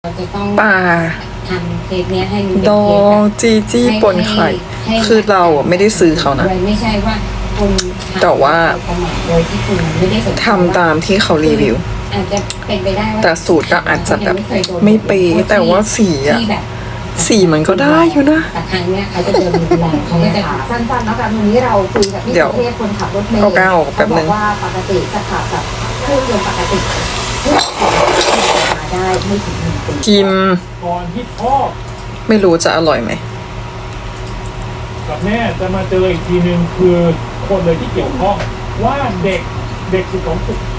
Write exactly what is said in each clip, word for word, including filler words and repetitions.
ปลาทำเคสเนี้ยให้ดองจีจี้ป่นไข่คือเราอ่ะไม่ได้ซื้อเขานะไม่ใช่ว่าคุณแต่ว่าโดยที่คุณไม่ได้สนใจทำตามที่เขารีวิวอาจจะเป็นไปได้ว่าแต่สูตรก็อาจจะแบบไม่เป๊ะแต่ว่าสีอะสีมันก็ได้อยู่นะแต่ครั้งเนี้ยเขาจะเดินดูแลเขาก็จะสั้นๆแล้วกันวันนี้เราคุยกับพี่เทพคนขับรถเมล์เอาก้าวออกแป๊บนึงว่าปกติจะขับกับเครื่องยนต์ปกติมาได้ไม่ถึงหนึ่งปีกิมก่อนที่พ่อไม่รู้จะอร่อยไหมกับแม่จะมาเจออีกทีนึงคือคนเลยที่เกี่ยวข้องว่าเด็กเด็กสิบสองขวบ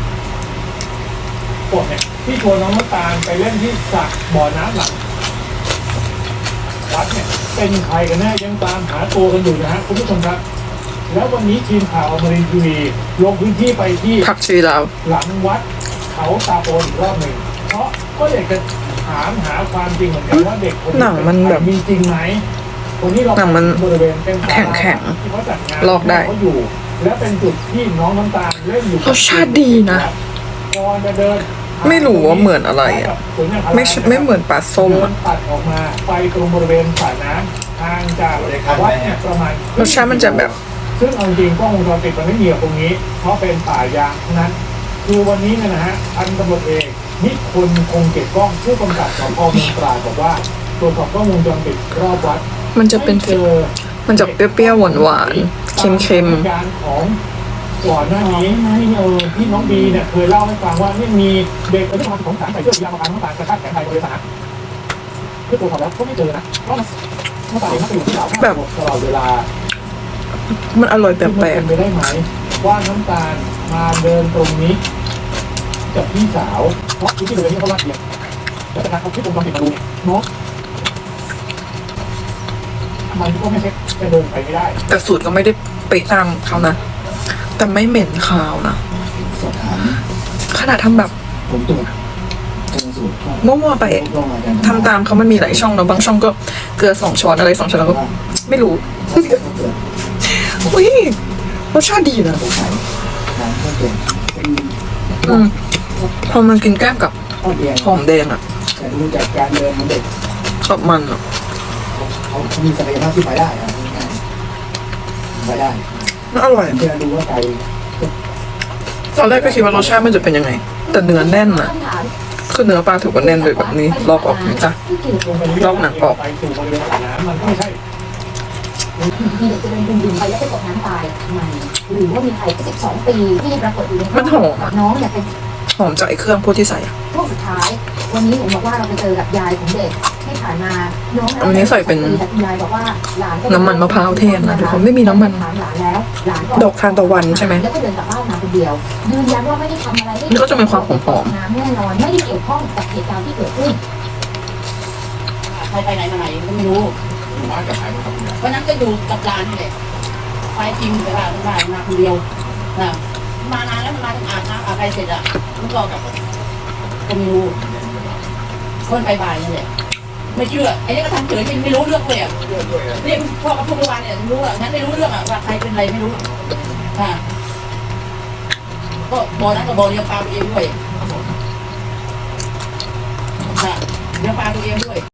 ปวดเนี่ยที่ชวนน้องน้ำตาลไปเล่นที่สระบ่อน้ำหลังวัดเนี่ยเป็นใครกันแน่ยังตามหาตัวกันอยู่นะฮะคุณผู้ชมครับแล้ววันนี้ทีมข่าวอมรินทร์ทีวีลงพื้นที่ไปที่ผักชีลาวหลังวัดเขาตาโปนอีกรอบหนึ่งเพราะก็อยากจะถามหาความจริงเหมือนกันว่าเด็กคนนี้หนังมันแบบมีจริงไหมคนนี้เราหนังมันบริเวณเป็นแข็งแข็งที่เขาจัดงานลอกได้เขาอยู่และเป็นจุดที่น้องน้ำตาลเล่นอยู่รสชาติดีนะก่อนจะเดินไม่รู้ว่าเหมือนอะไรอ่ะไม่ไม่เหมือนปลาส้มอ่ะตัดออกมาไปตรงบริเวณสระน้ำทางจากวัดเนี่ยประมาณรสชาติมันจะแบบซึ่งเอาจริงกล้องวงจรปิดมันไม่มีตรงนี้เพราะเป็นป่ายางทั้งนั้นคือวันนี้เนี่ยนะฮะพันตำรวจเอกนิพนธ์คงเก็บกล้องผู้กำกับสพเมืองตราดบอกว่าตรวจสอบกล้องวงจรปิดรอบวัดมันจะเป็นมันจะเปรี้ยวๆหวานๆเค็มๆการของก่อนหน้านี้ที่เออที่น้องบีเนี่ยเคยเล่าให้ฟังว่านี่มีเด็กอายุประมาณสองสามใส่เสื้อสีดำมาทางน้ำตาลกระชากแขนไปบริษัทเพื่อตรวจสอบแล้วก็ไม่เจอนะเพราะน้ำตาลมันอยู่ที่เราแบบตลอดเวลามันอร่อยแปลกๆเป็นไปได้ไหมว่าน้ำตาลมาเดินตรงนี้กับพี่สาวเพราะที่บริเวณนี้เขาลาดเอียงแล้วจากนั้นเขาที่ผมลองติดมาดูเนี่ยน้องมันก็ไม่ใช่จะเดินไปไม่ได้แต่สูตรก็ไม่ได้ไปตามเขานะแต่ไม่เหม็นคาวนะขนาดทำแบบมั่วๆไปทำตามเขามันมีหลายช่องเนาะบางช่องก็เกลือสองช้อนอะไรสองช้อนแล้วก็ไม่รู้อุ้ยรสชาติดีนะอืมพอมันกินแก้มกับหอมแดงอ่ะดูจากการเดินของเด็กชอบมันอ่ะเขามีศักยภาพที่ไปได้อะไปได้อร่อยเพื่อดูว่าไกลตอนแรกก็คิดว่ารสชาติมันจะเป็นยังไงแต่เนื้อแน่นอะคือเนื้อปลาถือว่าแน่นเลยแบบนี้ลอกออกนี่จ้ะลอกหนังออกมีเด็กจะเดินดึงไปแล้วไปตกน้ำตายทำไมหรือว่ามีใครสิบสองปีที่ปรากฏอยู่ในมันหอมน้องเนี่ยเป็นหอมจากไอ้เครื่องพวกที่ใส่ช่วงสุดท้ายวันนี้เห็นบอกว่าเราไปเจอกับยายของเด็กที่ผ่านมาน้องอันนี้ใส่เป็นยายบอกว่าหลานน้ำมันมะพร้าวเทศนะทุกคนไม่มีน้ำมันดอกทานตะวันใช่ไหมแล้วก็เดินกลับบ้านมาคนเดียวยืนยันว่าไม่ได้ทำอะไรนี่ก็จะมีความหอมๆแน่นอนไม่ได้เกี่ยวข้องกับเหตุการณ์ที่เกิดขึ้นใครไปไหนมาไหนก็ไม่รู้วันนั้นก็อยู่กับหลานนี่แหละไปจริงแต่ว่ามันมามาคนเดียวนะมานานแล้วมันมาถึงอาบน้ำอาบอะไรเสร็จอ่ะมันก็กับก็ไม่รู้คนไปบ่ายนี่แหละไม่เชื่อไอ้นี่ก็ทำเฉยไม่รู้เรื่องเลยอ่ะนี่พ่อกับพ่อเมื่อวานเนี่ยรู้อ่ะงั้นไม่รู้เรื่องอ่ะว่าใครเป็นอะไรไม่รู้อ่าก็บอนั้นก็บอเลี้ยงปลาตัวเองด้วยอ่าเลี้ยงปลาตัวเองด้วย